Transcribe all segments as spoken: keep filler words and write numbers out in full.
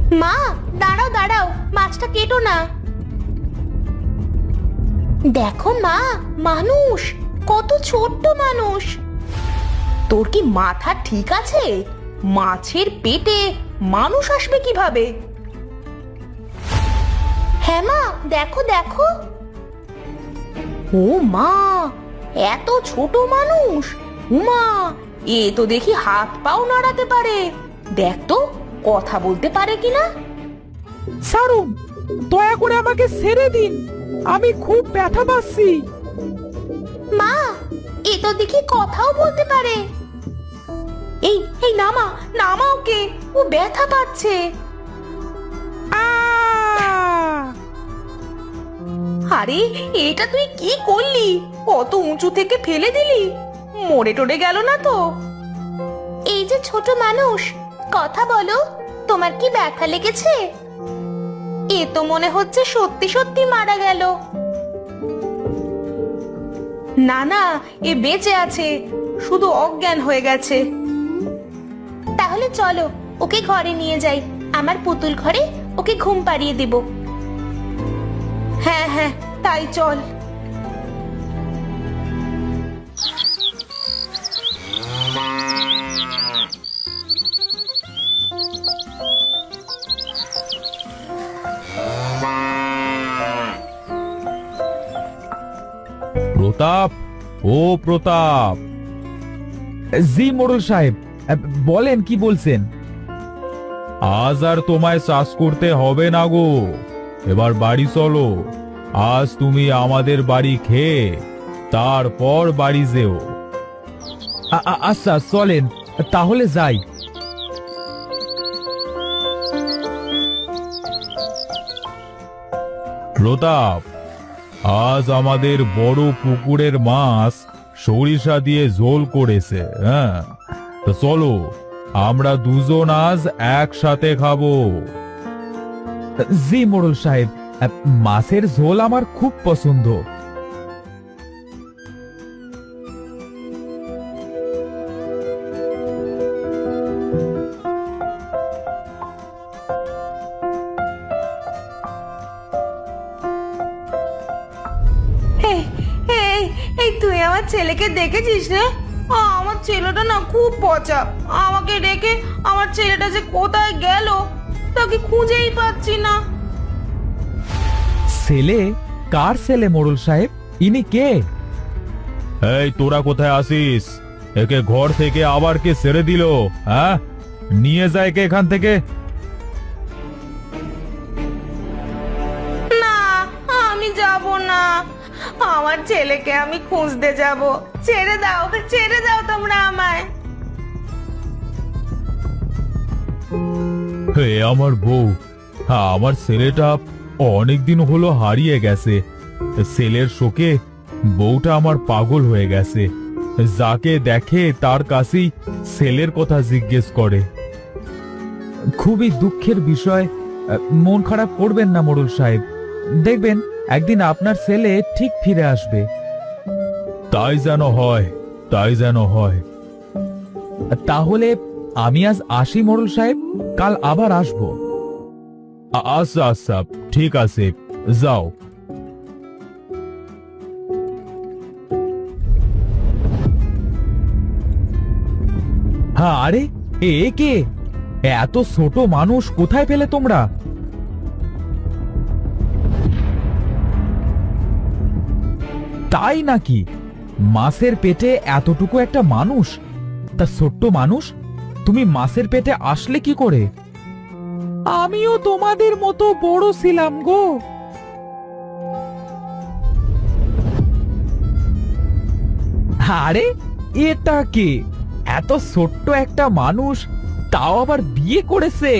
মা, দাঁড়াও দাঁড়াও, মাছটা কেটো না। দেখো মা, মানুষ, কত ছোট্ট মানুষ। তোর কি মাথা ঠিক আছে? মাছের পেটে মানুষ আসবে কিভাবে? হ্যাঁ মা, দেখো দেখো। ও মা, এত ছোট মানুষ! উমা, এ তো দেখি হাত পাও নাড়াতে পারে। দেখ তো কথা বলতে পারে কিনা। ছাড়ুন, দয়া করে আমাকে ছেড়ে দিন, আমি খুব ব্যথা পাচ্ছি। মা, এ তো দেখি কথাও বলতে পারে। এই এই নামা, নামা ওকে, ও ব্যথা পাচ্ছে। আহ! আরে, এটা তুই কি করলি? কত উঁচু থেকে ফেলে দিলি, মরে টরে গেল না তো? এই যে ছোট মানুষ, কথা বলো, তোমার কি ব্যথা লেগেছে? এ তো মনে হচ্ছে সত্যি সত্যি মারা গেল। না না, এ বেঁচে আছে, শুধু অজ্ঞান হয়ে গেছে। তাহলে চলো, ওকে ঘরে নিয়ে যাই, আমার পুতুল ঘরে ওকে ঘুম পাড়িয়ে দেব। হ্যাঁ হ্যাঁ, তাই চল। প্রতাপ, ও প্রতাপ। জি মোড়ল সাহেব, বলেন কি বলছেন? আজ আর তোমায় চাষ করতে হবে না গো, এবার বাড়ি চলো। আজ তুমি আমাদের বাড়ি খেয়ে তারপর বাড়ি যেও। আ- আ- আচ্ছা চলেন, তাহলে যাই। প্রতাপ, আজ আমাদের বড় পুকুরের মাছ সরিষা দিয়ে ঝোল করেছে। হ্যাঁ, তো চলো, আমরা দুজন আজ একসাথে খাবো। জি মোড়ল সাহেব, মাছের ঝোল আমার খুব পছন্দ। এই এই এই তুই আমার ছেলেকে দেখেছিস রে? আ, আমার ছেলেটা না খুব পচা। আমাকে রেখে আমার ছেলেটা যে কোথায় গেল তাকে খুঁজেই পাচ্ছি না। ছেলে? কার ছেলে মোড়ল সাহেব? ইনি কে? এই, তোরা কোথায় আসিস? একে ঘর থেকে আবার কে ছেড়ে দিল? হ্যাঁ, নিয়ে যায় কে এখান থেকে? না, আমি যাব না। আমার ছেলেকে আমি খুঁজতে যাব। ছেড়ে দাও, ছেড়ে দাও তোমরা আমায়। হে আমার বউ, হ্যাঁ, আমার ছেলেটা অনেকদিন হলো হারিয়ে গেছে। ছেলের শোকে বউটা আমার পাগল হয়ে গেছে। যাকে দেখে তার কাছেই ছেলের কথা জিজ্ঞেস করে। খুবই দুঃখের বিষয়, মন খারাপ করবেন না মোড়ল সাহেব, দেখবেন একদিন আপনার ছেলে ঠিক ফিরে আসবে। তাই যেন হয়, তাই যেন হয়। তাহলে আমি আজ আসি মোড়ল সাহেব, কাল আবার আসবো। আ- আচ্ছা আচ্ছা, ঠিক আছে, যাও। হ্যাঁ, আরে এ কে? এত ছোট মানুষ কোথায় পেলে তোমরা? তাই নাকি? মাছের পেটে এতটুকু একটা মানুষ? তা ছোট্ট মানুষ, তুমি মাছের পেটে আসলে কি করে? আমিও তোমাদের মতো বড় ছিলাম গো। আরে এটা কে? এত ছোট্ট একটা মানুষ, তাও আবার বিয়ে করেছে।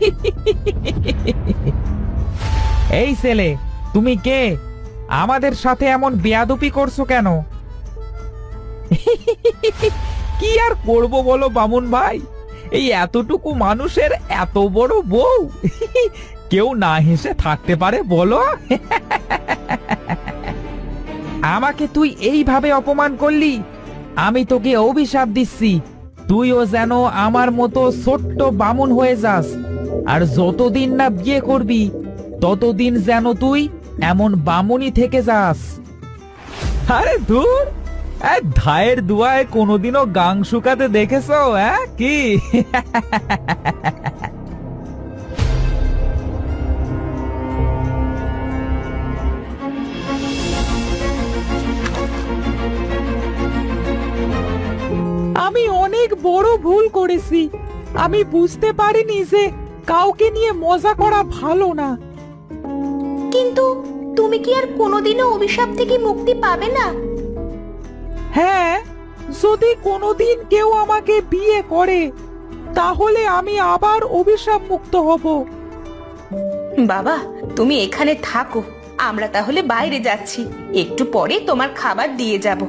এই ছেলে, তুমি কে? আমাদের সাথে এমন বেয়াদবি করছো কেন? কি আর করব বলো বামুন ভাই, এই এতটুকু মানুষের এত বড় বউ, কেউ না হেসে থাকতে পারে বলো? আমাকে তুই এইভাবে অপমান করলি, আমি তোকে অভিশাপ দিচ্ছি, তুইও যেন আমার মতো ছোট্ট বামুন হয়ে যাস। আর যতদিন না বিয়ে করবি ততদিন যেন তুই এমন বামুনি থেকে যাস। আরে ধুর, এই ধায়ের দুয়ায় কোনোদিনও গাং শুকাতে দেখেছো? হ্যাঁ কি? আমি অনেক বড় ভুল করেছি। আমি বুঝতে পারিনি যে কাউকে নিয়ে মজা করা ভালো না। কিন্তু তুমি কি আর কোনোদিনও অভিশাপ থেকে মুক্তি পাবে না? হ্যাঁ, যদি কোনোদিন কেউ আমাকে বিয়ে করে তাহলে আমি আবার অভিশাপ মুক্ত হব। বাবা, তুমি এখানে থাকো, আমরা তাহলে বাইরে যাচ্ছি, একটু পরে তোমার খাবার দিয়ে যাব।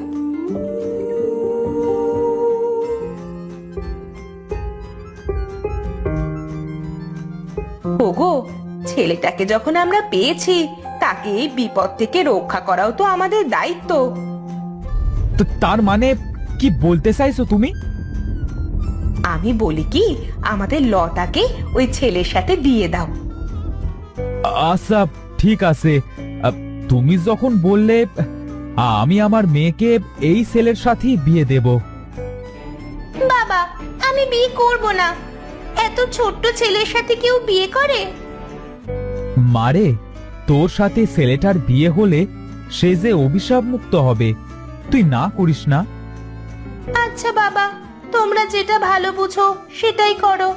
ওগো, ছেলেটাকে যখন আমরা পেয়েছি তাকে এই বিপদ থেকে রক্ষা করাও তো আমাদের দায়িত্ব। তো তার মানে কি বলতে চাইছো তুমি? আমি বলি কি, আমাদের লতাকে ওই ছেলের সাথে দিয়ে দাও। আচ্ছা ঠিক আছে, আহ, তুমি যখন বললে আমি আমার মেয়েকে এই ছেলের সাথেই বিয়ে দেব। বাবা, আমি বিয়ে করব না। এত ছোট্ট ছেলের সাথে কেউ বিয়ে করে? মারে, তোর সাথে ছেলেটার বিয়ে হলে সে যে অভিশাপ মুক্ত হবে, তুই না করিস না। আচ্ছা বাবা, তোমরা যেটা ভালো বুঝো সেটাই করো।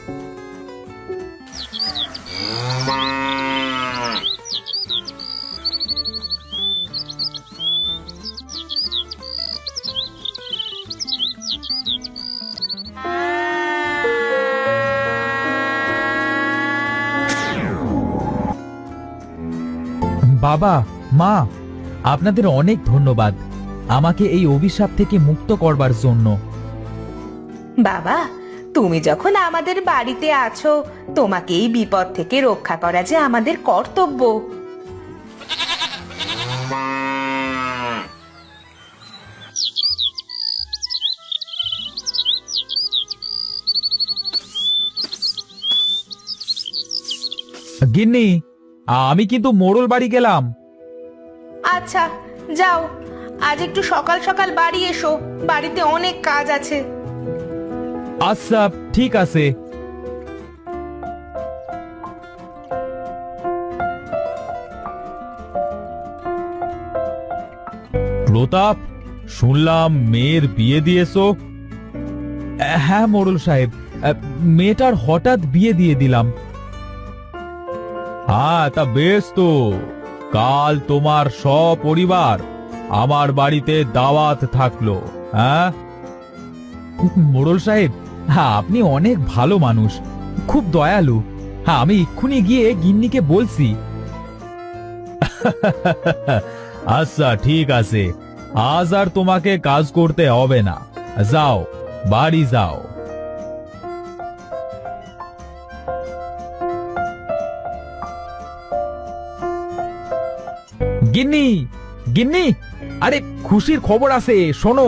বাবা, মা, আপনাদের অনেক ধন্যবাদ আমাকে এই অভিশাপ থেকে মুক্ত করবার জন্য। বাবা, তুমি যখন আমাদের বাড়িতে আছো, তোমাকে এই বিপদ থেকে রক্ষা করা যে আমাদের কর্তব্য। গিন্নি, আমি কিন্তু মোড়ল বাড়ি গেলাম। আচ্ছা যাও, আজ একটু সকাল সকাল বাড়ি এসো, বাড়িতে অনেক কাজ আছে। আচ্ছা ঠিক আছে। প্রতাপ, শুনলাম মেয়ের বিয়ে দিয়েছো? হ্যাঁ মোড়ল সাহেব, মেয়েটার হঠাৎ বিয়ে দিয়ে দিলাম। হ্যাঁ, তা বেশ তো। কাল তোমার সপরিবার আমার বাড়িতে দাওয়াত থাকলো। হ্যাঁ মোড়ল সাহেব, হ্যাঁ আপনি অনেক ভালো মানুষ, খুব দয়ালু। হ্যাঁ, আমি এক্ষুনি গিয়ে গিন্নিকে বলছি। আচ্ছা ঠিক আছে, আজ আর তোমাকে কাজ করতে হবে না, যাও বাড়ি যাও। গিন্নি, গিন্নি, আরে খুশির খবর আছে, শোনো।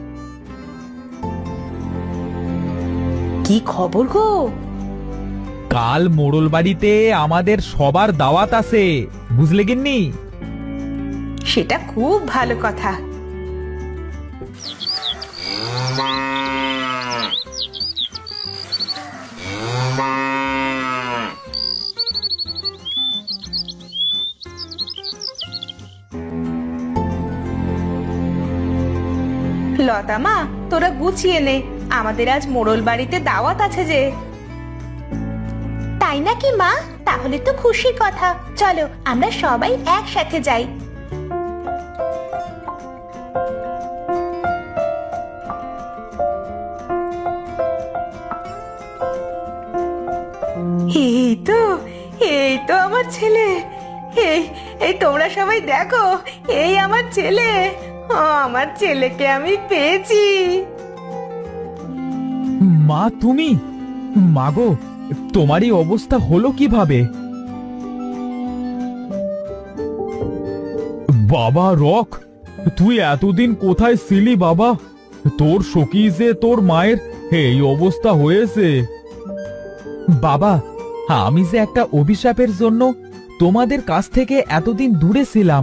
কি খবর গো? কাল মোড়ল বাড়িতে আমাদের সবার দাওয়াত আছে, বুঝলে গিন্নি? সেটা খুব ভালো কথা। লতা মা, তোরা গুছিয়ে নে, আমাদের আজ মোড়ল বাড়িতে দাওয়াত আছে যে। তাই নাকি মা? তাহলে তো খুশির কথা, চলো আমরা সবাই একসাথে যাই। এই তো, এই তো আমার ছেলে। এই এই তোমরা সবাই দেখো, এই আমার ছেলে। ও, আমার ছেলেকে আমি পেয়েছি। মা, তুমি? মাগো, তোমার এই অবস্থা হলো কিভাবে? বাবা রক, তুই এতদিন কোথায় ছিলি বাবা? তোর সখী যে তোর মায়ের এই অবস্থা হয়েছে। বাবা, আমি যে একটা অভিশাপের জন্য তোমাদের কাছ থেকে এতদিন দূরে ছিলাম।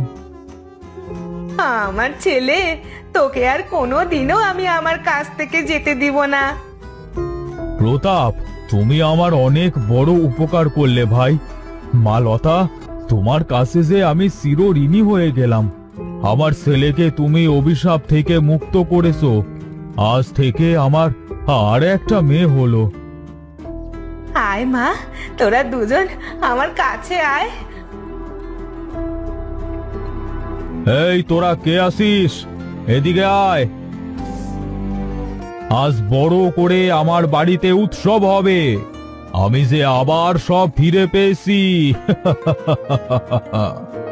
আমার ছেলে, তোকে আর কোনো দিনও আমি আমার কাছ থেকে যেতে দিব না। প্রতাপ, তুমি আমার অনেক বড় উপকার করলে ভাই। মা লতা, তোমার কাছে যে আমি চিরঋণী হয়ে গেলাম। আমার ছেলেকে তুমি অভিশাপ থেকে মুক্ত করেছো। আজ থেকে আমার আর একটা মেয়ে হলো। আয় মা, তোরা দুজন আমার কাছে আয়। এই তোরা কে আসিস? এদিকে আয়। আজ বড় করে আমার বাড়িতে উৎসব হবে। আমি যে আবার সব ফিরে পেয়েছি।